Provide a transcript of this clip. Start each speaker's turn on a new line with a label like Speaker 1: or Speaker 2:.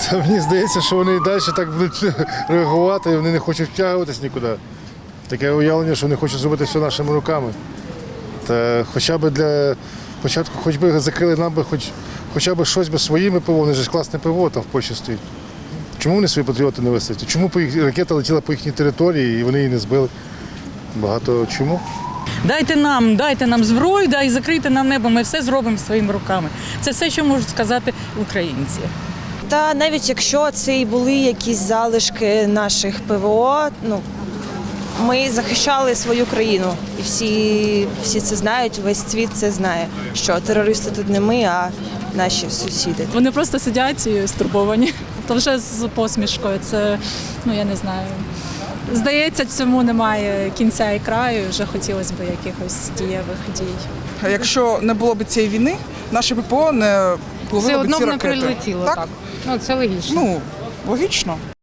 Speaker 1: Та мені здається, що вони і далі так будуть реагувати, і вони не хочуть втягуватись нікуди. Таке уявлення, що вони хочуть зробити все нашими руками. Та хоча б для початку, хоч би закрили нам би хоча б щось би своїми ПВО, вони ж класне ПВО там в Польщі стоїть. Чому вони свої патріоти не висадять? Чому ракета летіла по їхній території і вони її не збили? Багато чому?
Speaker 2: Дайте нам зброю, і закрийте нам небо, ми все зробимо своїми руками. Це все, що можуть сказати українці.
Speaker 3: Та навіть якщо це і були якісь залишки наших ПВО, ми захищали свою країну. І всі це знають, весь світ це знає, що терористи тут не ми, а наші сусіди.
Speaker 4: Вони просто сидять і стурбовані. То вже з посмішкою, це, я не знаю. Здається, цьому немає кінця і краю, вже хотілося б якихось дієвих дій.
Speaker 5: Якщо не було б цієї війни, наше ППО не
Speaker 6: Все
Speaker 5: ловило б
Speaker 6: одно
Speaker 5: ці
Speaker 6: б не
Speaker 5: ракети.
Speaker 6: прилетіло, так? Це логічно.
Speaker 5: Логічно.